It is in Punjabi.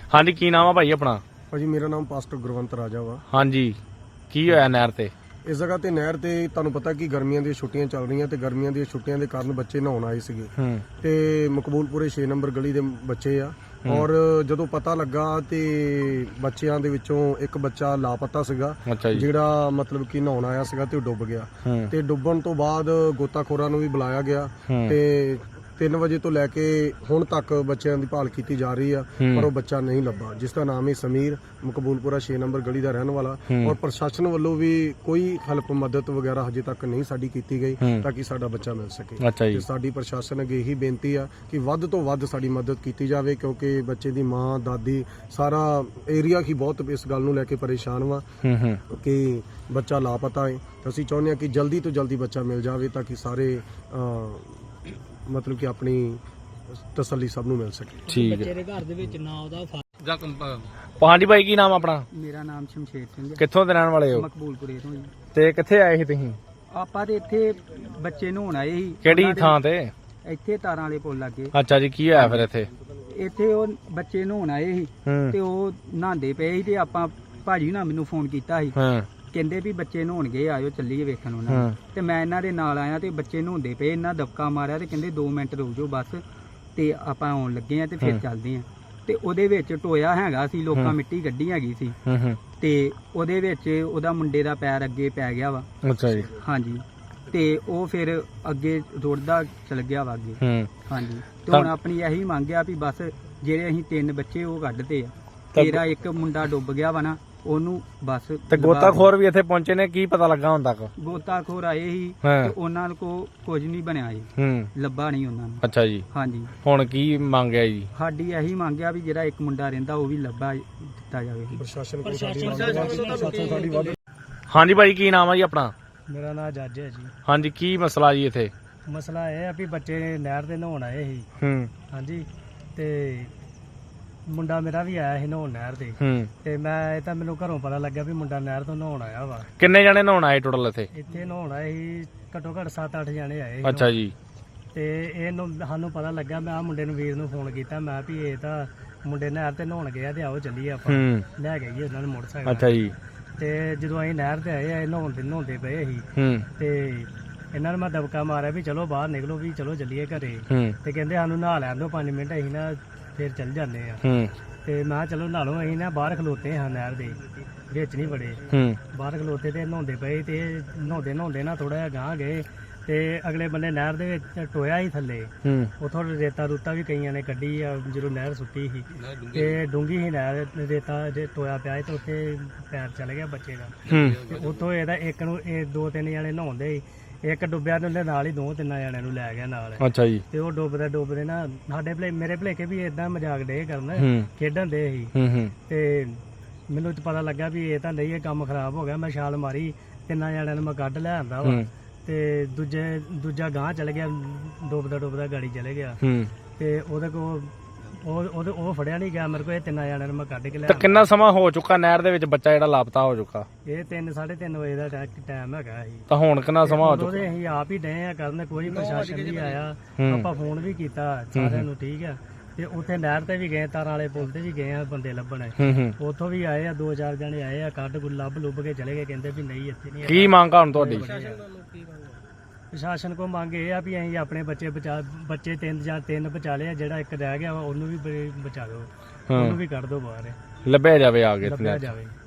ਹਾਂਜੀ ਕੀ ਨਾਮ ਆ ਭਾਈ ਆਪਣਾ? ਭਾਜੀ ਮੇਰਾ ਨਾਮ ਪਾਸਟਰ ਗੁਰਵੰਤ ਰਾਜਾ ਵਾ। ਹਾਂਜੀ ਕੀ ਹੋਇਆ ਨਹਿਰ ਤੇ? ਇਸ ਜਗ੍ਹਾ ਤੇ ਨਹਿਰ ਤੇ ਤੁਹਾਨੂੰ ਪਤਾ ਕਿ ਗਰਮੀਆਂ ਦੀਆਂ ਛੁੱਟੀਆਂ ਚੱਲ ਰਹੀਆਂ ਤੇ ਗਰਮੀਆਂ ਦੀਆਂ ਛੁੱਟੀਆਂ ਦੇ ਕਾਰਨ ਬੱਚੇ ਨਹਾਉਣ ਆਏ ਸੀਗੇ ਤੇ ਮਕਬੂਲਪੁਰੇ 6 ਨੰਬਰ ਗਲੀ ਦੇ ਬੱਚੇ ਆ। ਔਰ ਜਦੋਂ ਪਤਾ ਲੱਗਾ ਤੇ ਬੱਚਿਆਂ ਦੇ ਵਿੱਚੋਂ ਇੱਕ ਬੱਚਾ ਲਾਪਤਾ ਸੀਗਾ, ਜਿਹੜਾ ਮਤਲਬ ਕਿ ਨਹਾਉਣ ਆਇਆ ਸੀਗਾ ਤੇ ਉਹ ਡੁੱਬ ਗਿਆ। ਤੇ ਡੁੱਬਣ ਤੋਂ ਬਾਅਦ ਗੋਤਾਖੋਰਾਂ ਨੂੰ ਵੀ ਬੁਲਾਇਆ ਗਿਆ ਤੇ 3 ਵਜੇ ਤੋਂ ਲੈ ਕੇ ਹੁਣ ਤੱਕ ਬੱਚਿਆਂ ਦੀ ਭਾਲ ਕੀਤੀ ਜਾ ਰਹੀ ਆ, ਪਰ ਉਹ ਬੱਚਾ ਨਹੀਂ ਲੱਭਾ, ਜਿਸ ਦਾ ਨਾਮ ਹੈ ਸਮੀਰ, ਮਕਬੂਲਪੁਰਾ 6 ਨੰਬਰ ਗਲੀ ਦਾ ਰਹਿਣ ਵਾਲਾ। ਔਰ ਪ੍ਰਸ਼ਾਸਨ ਵੱਲੋਂ ਵੀ ਕੋਈ ਹੈਲਪ ਮਦਦ ਵਗੈਰਾ ਹਜੇ ਤੱਕ ਨਹੀਂ ਸਾਡੀ ਕੀਤੀ ਗਈ ਤਾਂ ਕਿ ਸਾਡਾ ਬੱਚਾ ਮਿਲ ਸਕੇ। ਤੇ ਸਾਡੀ ਪ੍ਰਸ਼ਾਸਨ ਅੱਗੇ ਇਹੀ ਬੇਨਤੀ ਆ ਕਿ ਵੱਧ ਤੋਂ ਵੱਧ ਸਾਡੀ ਮਦਦ ਕੀਤੀ ਜਾਵੇ, ਕਿਉਂਕਿ ਬੱਚੇ ਦੀ ਮਾਂ, ਦਾਦੀ, ਸਾਰਾ ਏਰੀਆ ਹੀ ਬਹੁਤ ਇਸ ਗੱਲ ਨੂੰ ਲੈ ਕੇ ਪਰੇਸ਼ਾਨ ਵਾ ਕਿ ਬੱਚਾ ਲਾਪਤਾ ਹੈ। ਅਸੀਂ ਚਾਹੁੰਦੇ ਹਾਂ ਕਿ ਜਲਦੀ ਤੋਂ ਜਲਦੀ ਬੱਚਾ ਮਿਲ ਜਾਵੇ ਤਾਂ ਕਿ ਸਾਰੇ ਮਤਲਬ ਕਿ ਆਪਣੀ ਤਸੱਲੀ ਸਭ ਨੂੰ ਮਿਲ ਸਕੇ। ਠੀਕ ਹੈ। ਬੱਚੇ ਦੇ ਘਰ ਦੇ ਵਿੱਚ ਨਾ ਉਹਦਾ ਹਾਂਜੀ ਭਾਈ ਕੀ ਨਾਮ ਆਪਣਾ? ਮੇਰਾ ਨਾਮ ਸ਼ਮਸ਼ੇਰ ਸਿੰਘ ਹੈ। ਕਿੱਥੋਂ ਦੇ ਰਹਿਣ ਵਾਲੇ ਹੋ? ਮਕਬੂਲਪੁਰੇ ਤੋਂ ਜੀ। ਤੇ ਕਿੱਥੇ ਆਏ ਸੀ ਤੁਸੀਂ? ਆਪਾਂ ਤੇ ਇੱਥੇ ਬੱਚੇ ਨਹਾਉਣ ਆਏ ਸੀ। ਕਿਹੜੀ ਥਾਂ ਤੇ? ਇੱਥੇ ਤਾਰਾਂ ਵਾਲੇ ਪੁੱਲ ਲੱਗੇ। ਅੱਛਾ ਜੀ, ਕੀ ਹੋਇਆ ਫਿਰ ਇੱਥੇ? ਇੱਥੇ ਉਹ ਬੱਚੇ ਨਹਾਉਣ ਆਏ ਸੀ ਤੇ ਉਹ ਨਹਾਉਂਦੇ ਪਏ ਸੀ ਤੇ ਆਪਾਂ ਭਾਜੀ ਨਾਲ ਮੈਨੂੰ ਫੋਨ ਕੀਤਾ ਸੀ, ਕਹਿੰਦੇ ਵੀ ਬੱਚੇ ਨਹਾਉਣ ਗਏ, ਆਇਓ ਚੱਲੀਏ ਵੇਖਣ ਉਹਨਾਂ ਤੇ ਮੈਂ ਇਹਨਾਂ ਦੇ ਨਾਲ ਆਇਆ ਤੇ ਬੱਚੇ ਨਹਾਉਂਦੇ ਪਏ, ਇਹਨਾਂ ਦਬਕਾ ਮਾਰਿਆ ਤੇ ਕਹਿੰਦੇ 2 ਮਿੰਟ ਰੁਕ ਜਾਓ ਬਸ ਤੇ ਆਪਾਂ ਆਉਣ ਲੱਗੇ ਆ ਤੇ ਫਿਰ ਚੱਲਦੇ ਆ। ਤੇ ਉਹਦੇ ਵਿੱਚ ਟੋਇਆ ਹੈਗਾ ਸੀ, ਲੋਕਾਂ ਮਿੱਟੀ ਗੱਡੀ ਹੈਗੀ ਸੀ ਤੇ ਉਹਦੇ ਵਿੱਚ ਉਹਦਾ ਮੁੰਡੇ ਦਾ ਪੈਰ ਅੱਗੇ ਪੈ ਗਿਆ ਵਾ। ਅੱਛਾ ਜੀ। ਹਾਂਜੀ, ਤੇ ਉਹ ਫਿਰ ਅੱਗੇ ਰੁੜਦਾ ਚਲ ਗਿਆ ਵਾ ਅੱਗੇ। ਹਾਂਜੀ, ਤੇ ਹੁਣ ਆਪਣੀ ਇਹੀ ਮੰਗ ਆ ਵੀ ਬਸ ਜਿਹੜੇ ਅਸੀਂ 3 ਬੱਚੇ ਉਹ ਕੱਢਦੇ ਆ, ਤੇਰਾ ਇੱਕ ਮੁੰਡਾ ਡੁੱਬ ਗਿਆ ਵਾ ਨਾ, ਉਹਨੂੰ ਬਸ। ਤੇ ਗੋਤਾਖੋਰ ਵੀ ਇੱਥੇ ਪਹੁੰਚੇ ਨੇ, ਕੀ ਪਤਾ ਲੱਗਾ ਹੁਣ ਤੱਕ? ਗੋਤਾਖੋਰ ਆਏ ਸੀ ਤੇ ਉਹਨਾਂ ਕੋ ਕੁਝ ਨਹੀਂ ਬਣਿਆ ਜੀ, ਲੱਭਾ ਨਹੀਂ ਉਹਨਾਂ ਨੂੰ। ਅੱਛਾ ਜੀ। ਹਾਂਜੀ, ਹੁਣ ਕੀ ਮੰਗਿਆ ਜੀ? ਸਾਡੀ ਇਹੀ ਮੰਗਿਆ ਵੀ ਜਿਹੜਾ ਇੱਕ ਮੁੰਡਾ ਰਹਿੰਦਾ ਉਹ ਵੀ ਲੱਭਾ ਦਿੱਤਾ ਜਾਵੇ। ਪ੍ਰਸ਼ਾਸਨ ਕੋਲ ਸਾਡੀ ਵੱਧ। ਹਾਂਜੀ ਭਾਈ ਕੀ ਨਾਮ ਆ ਜੀ ਆਪਣਾ? ਮੇਰਾ ਨਾਮ ਜੱਜ ਹੈ ਜੀ। ਹਾਂਜੀ ਕੀ ਮਸਲਾ ਜੀ ਇੱਥੇ? ਮਸਲਾ ਇਹ ਆ ਵੀ ਬੱਚੇ ਨਹਿਰ ਦੇ ਨਹਾਉਣ ਆਏ ਸੀ। ਹਾਂਜੀ, ਤੇ ਮੁੰਡਾ ਮੇਰਾ ਵੀ ਆਇਆ ਸੀ ਨਹਾਉਣ ਨਹਿਰ ਤੇ ਤੇ ਮੈਂ ਇਹ ਤਾਂ ਮੈਨੂੰ ਘਰੋਂ ਪਤਾ ਲੱਗਿਆ ਵੀ ਮੁੰਡਾ ਨਹਿਰ ਤੋਂ ਨਹਾਉਣ ਆਇਆ ਵਾ। ਕਿੰਨੇ ਜਣੇ ਨਹਾਉਣ ਆਏ ਟੋਟਲ ਇੱਥੇ? ਇੱਥੇ ਨਹਾਉਣ ਆਏ ਸੀ ਘੱਟੋ ਘੱਟ 7-8 ਜਣੇ ਆਏ। ਅੱਛਾ ਜੀ। ਤੇ ਇਹਨੂੰ ਸਾਨੂੰ ਪਤਾ ਲੱਗਾ, ਮੈਂ ਆ ਮੁੰਡੇ ਨੂੰ, ਵੀਰ ਨੂੰ ਫੋਨ ਕੀਤਾ, ਮੈਂ ਵੀ ਇਹ ਤਾਂ ਮੁੰਡੇ ਨਹਿਰ ਤੇ ਨਹਾਉਣ ਗਿਆ ਤੇ ਆਓ ਚੱਲੀਏ ਆਪਾਂ ਲੈ ਕੇ ਗਏ ਉਹਨਾਂ ਨੂੰ ਮੋਟਰਸਾਈਕਲ। ਅੱਛਾ ਜੀ। ਤੇ ਜਦੋਂ ਅਸੀਂ ਨਹਿਰ ਤੇ ਆਏ ਨਹਾਉਂਦੇ ਪਏ ਸੀ ਤੇ ਇਹਨਾਂ ਨੂੰ ਮੈਂ ਦਬਕਾ ਮਾਰਿਆ ਵੀ ਚਲੋ ਬਾਹਰ ਨਿਕਲੋ, ਵੀ ਚਲੋ ਚੱਲੀਏ ਘਰੇ। ਤੇ ਕਹਿੰਦੇ ਸਾਨੂੰ ਨਹਾ ਲੈਣ ਦਿਓ 5 ਮਿੰਟ, ਅਸੀਂ ਨਾ ਫਿਰ ਚੱਲ ਜਾਂਦੇ ਆ। ਤੇ ਮੈਂ ਕਿਹਾ ਚਲੋ ਨਹਾ ਲਓ, ਅਸੀਂ ਨਾ ਬਾਹਰ ਖਲੋਤੇ ਹਾਂ ਨਹਿਰ ਦੇ ਵਿੱਚ ਨਹੀਂ ਵੜੇ, ਬਾਹਰ ਖਲੋਤੇ ਤੇ ਨਹਾਉਂਦੇ ਪਏ। ਤੇ ਨਹਾਉਂਦੇ ਨਾ ਥੋੜਾ ਜਿਹਾ ਗਾਂਹ ਗਏ ਤੇ ਅਗਲੇ ਬੰਨੇ ਨਹਿਰ ਦੇ ਵਿੱਚ ਟੋਇਆ ਹੀ ਥੱਲੇ, ਉਥੋਂ ਰੇਤਾ ਰੂਤਾ ਵੀ ਕਈਆਂ ਨੇ ਕੱਢੀ ਆ ਜਦੋਂ ਨਹਿਰ ਸੁੱਟੀ ਸੀ ਤੇ ਡੂੰਗੀ ਸੀ ਨਹਿਰ, ਰੇਤਾ ਜੇ ਟੋਇਆ ਪਿਆ ਤੇ ਉੱਥੇ ਪੈਰ ਚਲ ਗਿਆ ਬੱਚੇ ਦਾ। ਤੇ ਉੱਥੋਂ ਇਹਦਾ ਇੱਕ ਨੂੰ 2-3 ਜਣੇ ਨਹਾਉਂਦੇ, ਇੱਕ ਡੁੱਬਿਆ ਤੇ ਉਹਦੇ ਨਾਲ ਹੀ 2-3 ਜਣਿਆਂ ਨੂੰ ਲੈ ਗਿਆ ਨਾਲ। ਅੱਛਾ ਜੀ। ਤੇ ਉਹ ਡੁੱਬਦੇ ਨਾ ਸਾਡੇ ਮੇਰੇ ਭਲੇਖੇ ਵੀ ਏਦਾਂ ਮਜ਼ਾਕ ਡੇ ਕਰਨ, ਖੇਡਣ ਦੇ ਸੀ। ਤੇ ਮੈਨੂੰ ਪਤਾ ਲੱਗਾ ਵੀ ਇਹ ਤਾਂ ਨਹੀਂ, ਇਹ ਕੰਮ ਖਰਾਬ ਹੋ ਗਿਆ। ਮੈਂ ਛਾਲ ਮਾਰੀ, 3 ਜਣਿਆਂ ਨੂੰ ਮੈਂ ਕੱਢ ਲੈ ਆਂਦਾ ਵਾ ਤੇ ਦੂਜਾ ਗਾਂਹ ਚਲੇ ਗਿਆ, ਡੁੱਬਦਾ ਗਾੜੀ ਚਲੇ ਗਿਆ। ਤੇ ਉਹਦੇ ਕੋਲ ਉਹ ਫੜਿਆ ਨਹੀਂ ਗਿਆ ਮੇਰੇ ਕੋਲ। ਇਹ 3 ਜਣਿਆਂ ਨੂੰ ਮੈਂ ਕੱਢ ਕੇ ਲਿਆ। ਕਿੰਨਾ ਸਮਾਂ ਹੋ ਚੁੱਕਾ ਨਹਿਰ ਦੇ ਵਿੱਚ ਬੱਚਾ ਜਿਹੜਾ ਲਾਪਤਾ ਹੋ ਚੁੱਕਾ? ਇਹ 3-3:30 ਵਜੇ ਦਾ ਟਾਈਮ ਹੈਗਾ ਸੀ। ਤਾਂ ਹੁਣ ਕਿੰਨਾ ਸਮਾਂ ਹੋ ਚੁੱਕਾ? ਅਸੀਂ ਆਪ ਹੀ ਡਏ ਆ ਕਰਨ, ਕੋਈ ਪ੍ਰਸ਼ਾਸਨ ਨਹੀਂ ਆਇਆ। ਆਪਾਂ ਫੋਨ ਵੀ ਕੀਤਾ ਸਾਰਿਆਂ ਨੂੰ, ਠੀਕ ਆ। ਤੇ ਉੱਥੇ ਨਹਿਰ ਤੇ ਵੀ ਗਏ, ਤਾਰਾਂ ਵਾਲੇ ਪੁੱਲ ਤੇ ਵੀ ਗਏ ਆ ਬੰਦੇ ਲੱਭਣ, ਉੱਥੋਂ ਵੀ ਆਏ ਆ 2-4 ਜਣੇ ਆਏ ਆ, ਕੱਢ ਲੱਭ ਕੇ ਚਲੇ ਗਏ, ਕਹਿੰਦੇ ਵੀ ਨਹੀਂ ਇੱਥੇ ਨਹੀਂ। ਕੀ ਮੰਗ ਆ ਹੁਣ ਤੁਹਾਡੀ? ਪ੍ਰਸ਼ਾਸਨ ਕੋ ਮੰਗ ਇਹ ਆ ਵੀ ਅਸੀਂ ਆਪਣੇ ਬੱਚੇ 3 ਬਚਾ ਲਏ, ਜਿਹੜਾ ਇੱਕ ਰਹਿ ਗਿਆ ਉਹਨੂੰ ਵੀ ਬਚਾ ਦਿਓ, ਉਹਨੂੰ ਵੀ ਕੱਢ ਦਿਓ ਬਾਹਰ, ਲੱਭਿਆ ਜਾਵੇ ਆ ਕੇ। ਲੱਭਿਆ ਜਾਵੇ।